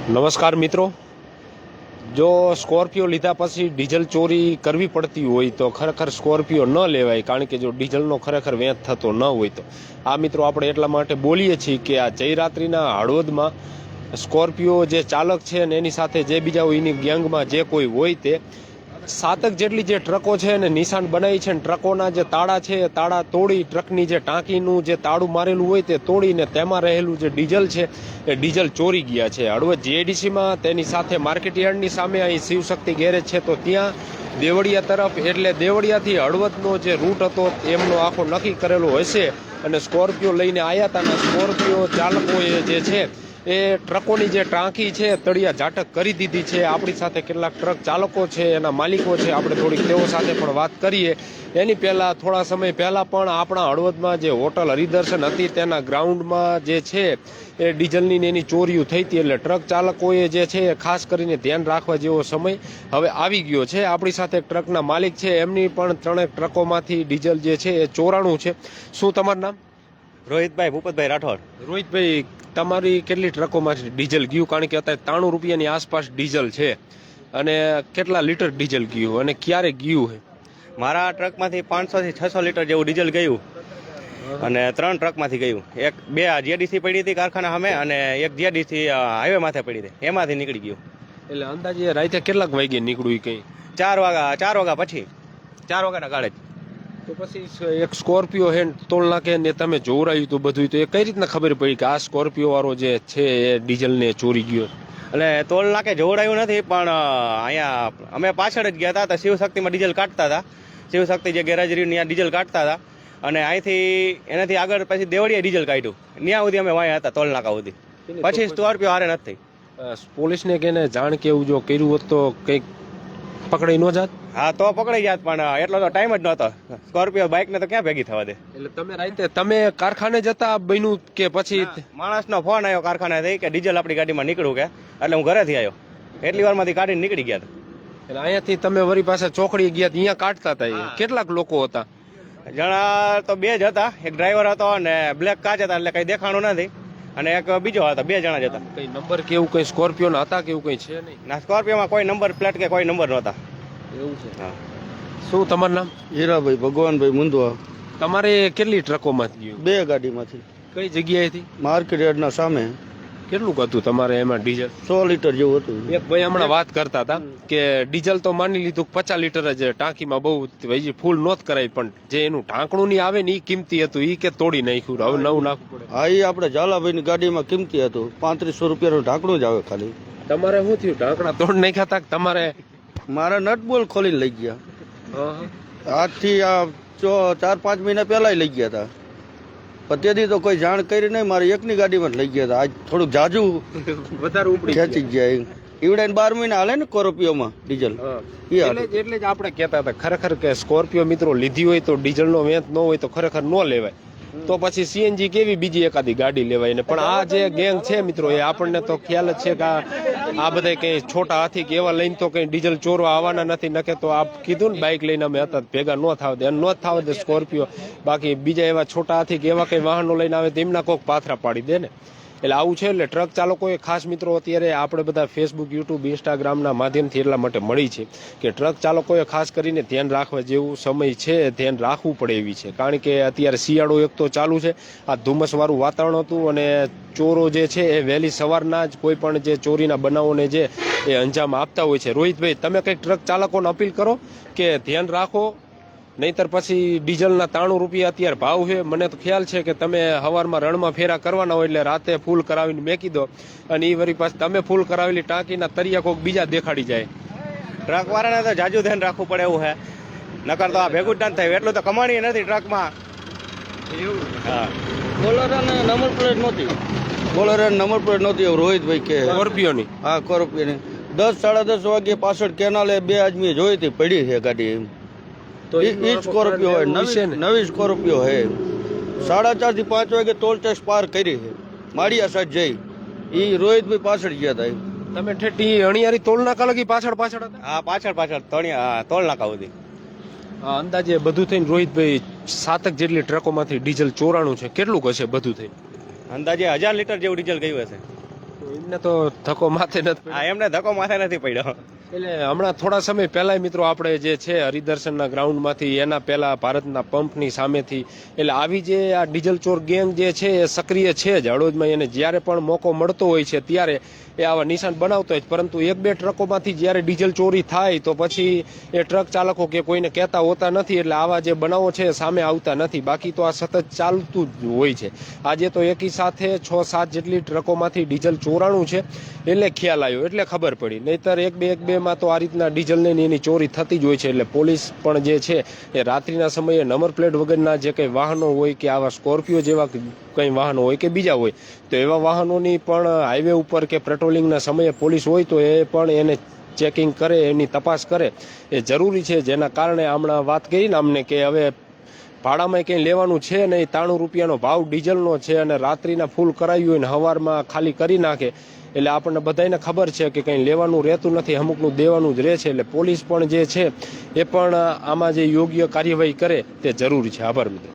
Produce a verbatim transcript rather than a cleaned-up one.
નમસ્કાર મિત્રો, જો સ્કોર્પિયો લીધા પછી ડીઝલ ચોરી કરવી પડતી હોય તો ખરેખર સ્કોર્પિયો ન લેવાય, કારણ કે જો ડીઝલનો ખરેખર વેચ થતો ન હોય તો. આ મિત્રો આપણે એટલા માટે બોલીએ છીએ કે આ જયરાત્રિના હળવદમાં સ્કોર્પિયો જે ચાલક છે ને એની સાથે જે બીજા હોય એની ગેંગમાં જે કોઈ હોય તે સાતક જેટલી જે ટ્રકો છે ને નિશાન બનાવી છે ને ટ્રકોના જે તાળા છે એ તાળા તોડી ટ્રકની જે ટાંકીનું જે તાળું મારેલું હોય તે તોડીને તેમાં રહેલું જે ડીઝલ છે એ ડીઝલ ચોરી ગયા છે હળવદ જીઆઈડીસીમાં. તેની સાથે માર્કેટ યાર્ડની સામે અહીં શિવશક્તિ ગેરેજ છે તો ત્યાં દેવળિયા તરફ, એટલે દેવળિયાથી હળવદનો જે રૂટ હતો એમનો આખો નક્કી કરેલો હશે અને સ્કોર્પિયો લઈને આવ્યા હતા. અને સ્કોર્પિયો ચાલકોએ જે છે એ ટ્રકોની જે ટાંકી છે તળિયા ઝાટક કરી દીધી છે. આપણી સાથે કેટલાક ટ્રક ચાલકો છે, એના માલિકો છે, આપણે થોડીક તેઓ સાથે પણ વાત કરીએ. એની પહેલાં થોડા સમય પહેલાં પણ આપણા હળવદમાં જે હોટલ હરિદર્શન હતી તેના ગ્રાઉન્ડમાં જે છે એ ડીઝલની એની ચોરીઓ થઈ હતી. એટલે ટ્રક ચાલકોએ જે છે એ ખાસ કરીને ધ્યાન રાખવા જેવો સમય હવે આવી ગયો છે. આપણી સાથે ટ્રકના માલિક છે, એમની પણ ત્રણેક ટ્રકોમાંથી ડીઝલ જે છે એ ચોરાણું છે. શું તમારું નામ? રોહિતભાઈ ભૂપતભાઈ રાઠોડ. રોહિતભાઈ, તમારી કેટલી ટ્રકોમાંથી ડીઝલ ગયું? કારણ કે અત્યારે ત્રાણું રૂપિયાની આસપાસ ડીઝલ છે, અને કેટલા લીટર ડીઝલ ગયું અને ક્યારે ગયું છે? મારા ટ્રકમાંથી પાંચસો થી છસો લીટર જેવું ડીઝલ ગયું અને ત્રણ ટ્રકમાંથી ગયું. એક બે જીઆઈડીસી પડી હતી કારખાના સામે અને એક જીઆઈડીસી હાઈવે માથે પડી હતી, એમાંથી નીકળી ગયું. એટલે અંદાજે રાતે કેટલાક વાગે નીકળ્યું? કઈ ચાર વાગ્યા ચાર વાગ્યા પછી ચાર વાગ્યાના ગાળે જ. તો પછી એક સ્કોર્પિયો હે તોલ નાખે ને તમે જોવરાયું તો બધું, તો એ કઈ રીતના ખબર પડી કે આ સ્કોર્પિયો વાળો જે છે એ ડીઝલને ચોરી ગયો? એટલે તોલ નાકે જોવડાયું નથી, પણ અહીંયા અમે પાછળ જ ગયા હતા તો શિવશક્તિમાં ડીઝલ કાઢતા હતા. શિવશક્તિ જે ગેરેજ રહ્યું ત્યાં ડીઝલ કાઢતા હતા અને અહીંથી એનાથી આગળ પછી દેવળીએ ડીઝલ કાઢ્યું. ત્યાં સુધી અમે વાયા હતા તોલ નાકા સુધી. પછી સ્કોર્પિયો હારે નથી. પોલીસને કેને જાણ કે એવું જો કર્યું હોત તો કંઈક પકડાઈ ન જાત? હા તો પકડાઈ જાત, પણ એટલો તો ટાઈમ જ નહોતો. સ્કોર્પિયો બાઇક ને તો ક્યાં ભેગી થવા દે. એટલે તમે રાતે તમે કારખાને જતા બન્યું કે પછી? માણસનો ફોન આવ્યો કારખાનેથી કે ડીઝલ આપણી ગાડીમાં નીકળ્યું કે, એટલે હું ઘરેથી આવ્યો. એટલી વારમાંથી કાઢીને નીકળી ગયા હતા. એટલે અહીંયાથી તમે વળી પાસે ચોકડી ગયા, અહીંયા કાઢતા હતા. કેટલાક લોકો હતા? જણા તો બે જ હતા. એક ડ્રાઈવર હતો અને બ્લેક કાચ હતા, એટલે કઈ દેખાણું નથી. અને એક બીજો હતા. બે જણા જ હતા. કઈ નંબર કે એવું કઈ સ્કોર્પિયો ના હતા કે એવું કઈ છે નહીં? ના, સ્કોર્પિયોમાં કોઈ નંબર પ્લેટ કે કોઈ નંબર નહોતા. એવું છે? હા. શું તમારું નામ? હીરાભાઈ ભગવાનભાઈ મુંદવા. તમારે કેટલી ટ્રકોમાંથી ગયું? બે ગાડીમાંથી. કઈ જગ્યાએથી? માર્કેટ યાર્ડના સામે. કેટલું હતું તમારે એમાં ડીઝલ? સો લીટર જેવું હતું. એક ભાઈ હમણાં વાત કરતા હતા કે ડીઝલ તો માની લીધું પચાસ લીટર જ ટાંકીમાં, બહુ ફૂલ નોત કરાય, પણ જે એનું ઢાંકણું ની આવે ને એ કિંમતી હતું, એ કે તોડી નાખ્યું, હવે નવું નાખવું પડે. હા, એ આપણે ઝાલાભાઈની ગાડીમાં કિંમતી હતું. પાંત્રીસો રૂપિયાનું ઢાંકણું જ આવે ખાલી. તમારે શું થયું? ઢાંકણા તોડ નાખ્યા હતા કે તમારે? મારા નટ બોલ ખોલીને લઈ ગયા. આજથી આ ચાર પાંચ મહિના પહેલા લઈ ગયા હતા. પણ તેથી તો કોઈ જાણ કરી નહીં. મારી એકની ગાડીમાં જ લઈ ગયા હતા. આજ થોડુંક જાજુ વધારે ઉપડી ખેંચી ગયા. ઈવડે બાર મહિના હાલે ને સ્કોર્પિયોમાં ડીઝલ. એટલે જ આપણે કહેતા હતા ખરેખર કે સ્કોર્પિયો મિત્રો લીધી હોય તો ડીઝલનો વેચ ન હોય તો ખરેખર ન લેવાય. તો પછી સીએનજી કેવી બીજી એકાદી ગાડી લેવાય ને. પણ આ જે ગેંગ છે મિત્રો, એ આપણને તો ખ્યાલ જ છે કે આ બધા કઈ છોટા હાથી કે એવા લઈને તો કઈ ડીઝલ ચોરવા આવવાના નથી. નકે તો આપ કીધું ને બાઇક લઈને અમે હતા ભેગા ન થાવ દે, ન થાવ દે સ્કોર્પિયો. બાકી બીજા એવા છોટા હાથી કે એવા કઈ વાહનો લઈને આવે તો એમના કોઈક પાથરા પાડી દે ને. એટલે આવું છે. એટલે ટ્રક ચાલકોએ ખાસ મિત્રો અત્યારે આપણે બધા ફેસબુક, યુટ્યુબ, ઇન્સ્ટાગ્રામના માધ્યમથી એટલા માટે મળી છે કે ટ્રક ચાલકોએ ખાસ કરીને ધ્યાન રાખવા જેવું સમય છે, ધ્યાન રાખવું પડે એવી છે. કારણ કે અત્યારે શિયાળો એક તો ચાલુ છે, આ ધુમ્મસવાળું વાતાવરણ હતું અને ચોરો જે છે એ વહેલી સવારના જ કોઈ પણ જે ચોરીના બનાવોને જે એ અંજામ આપતા હોય છે. રોહિતભાઈ, તમે કંઈક ટ્રક ચાલકોને અપીલ કરો કે ધ્યાન રાખો, નહીતર પછી ડીઝલના ત્રાણું રૂપિયા અત્યારે ભાવ છે. મને તો ખ્યાલ છે કે તમે સવારમાં રણમાં ફેરા કરવાના હોય એટલે રાતે ફૂલ કરાવીને મેકી દો, અને એ વળી પાછી તમે ફૂલ કરાવેલી ટાંકીના તરિયા કોઈક બીજા દેખાડી જાય. ટ્રક વાળાને તો જાજુ ધ્યાન રાખવું પડે એવું છે, નકર તો આ ભેગું જ ના થાય. એટલું તો કમાણી નથી ટ્રકમાં. એવું? હા. બોલેરોને નંબર પ્લેટ નહોતી. બોલેરોને નંબર પ્લેટ નહોતી એવું રોહિતભાઈ કે. સ્કોર્પિયોની? હા, સ્કોર્પિયોની. દસ સાડા દસ વાગે પાછળ કેનાલે બે આદમી જોઈ હતી, પડી છે ગાડી. તો એ સ્કોર્પિયો હોય, નવી સ્કોર્પિયો હે. સાડા ચાર થી પાંચ વાગે ટોલ ટેક્સ પાર કરી છે માળિયા સાઈડ જઈ. એ રોહિતભાઈ પાછળ ગયા હતા. તમે ઠેઠી અણિયારી તોલ નાકા લગી પાછળ પાછળ હતા? હા, પાછળ પાછળ તળિયા તોલ નાકા સુધી. અંદાજે બધું થઈને રોહિતભાઈ સાતક જેટલી ટ્રકોમાંથી ડીઝલ ચોરાણું છે. કેટલું હશે બધું થઈને? અંદાજે હજાર લીટર જેવું ડીઝલ ગયું હશે. એમને તો ધક્કો માથે નથી પડ્યો. આ એમને ધક્કો માથે નથી પડ્યો. એટલે હમણાં થોડા સમય પહેલા મિત્રો આપણે જે છે હરિદર્શનના ગ્રાઉન્ડમાંથી એના પહેલા ભારતના પંપની સામેથી એટલે આવી જે આ ડીઝલ ચોર ગેંગ જે છે એ સક્રિય છે જ હળવદમાં. એને જ્યારે પણ મોકો મળતો હોય છે ત્યારે એ આવા નિશાન બનાવતો હોય છે, પરંતુ એક બે ટ્રકોમાંથી જ્યારે ડીઝલ ચોરી થાય તો પછી એ ટ્રક ચાલકો કે કોઈને કહેતા હોતા નથી, એટલે આવા જે બનાવો છે સામે આવતા નથી. બાકી તો આ સતત ચાલતું જ હોય છે. આજે તો એકી સાથે છ સાત જેટલી ટ્રકોમાંથી ડીઝલ ચોરાણું છે એટલે ખ્યાલ આવ્યો, એટલે ખબર પડી. નહીતર એક બે એક બે માં તો આ રીતના ડીઝલની ને એની ચોરી થતી જ હોય છે. એટલે પોલીસ પણ જે છે એ રાત્રિના સમયે નંબર પ્લેટ વગરના જે કંઈ વાહનો હોય કે આવા સ્કોર્પિયો જેવા કંઈ વાહનો હોય કે બીજા હોય તો એવા વાહનોની પણ હાઈવે ઉપર કે પેટ્રોલિંગના સમયે પોલીસ હોય તો એ પણ એને ચેકિંગ કરે, એની તપાસ કરે એ જરૂરી છે. જેના કારણે હમણાં વાત કરી ને અમને કે હવે ભાડામાં કંઈ લેવાનું છે નહીં, ત્રાણું રૂપિયાનો ભાવ ડીઝલનો છે અને રાત્રિના ફૂલ કરાવ્યું હોય ને સવારમાં ખાલી કરી નાખે એટલે આપણને બધાને ખબર છે કે કંઈ લેવાનું રહેતું નથી, અમુકનું દેવાનું જ રહે છે. એટલે પોલીસ પણ જે છે એ પણ આમાં જે યોગ્ય કાર્યવાહી કરે તે જરૂરી છે. આભાર મિત્રો.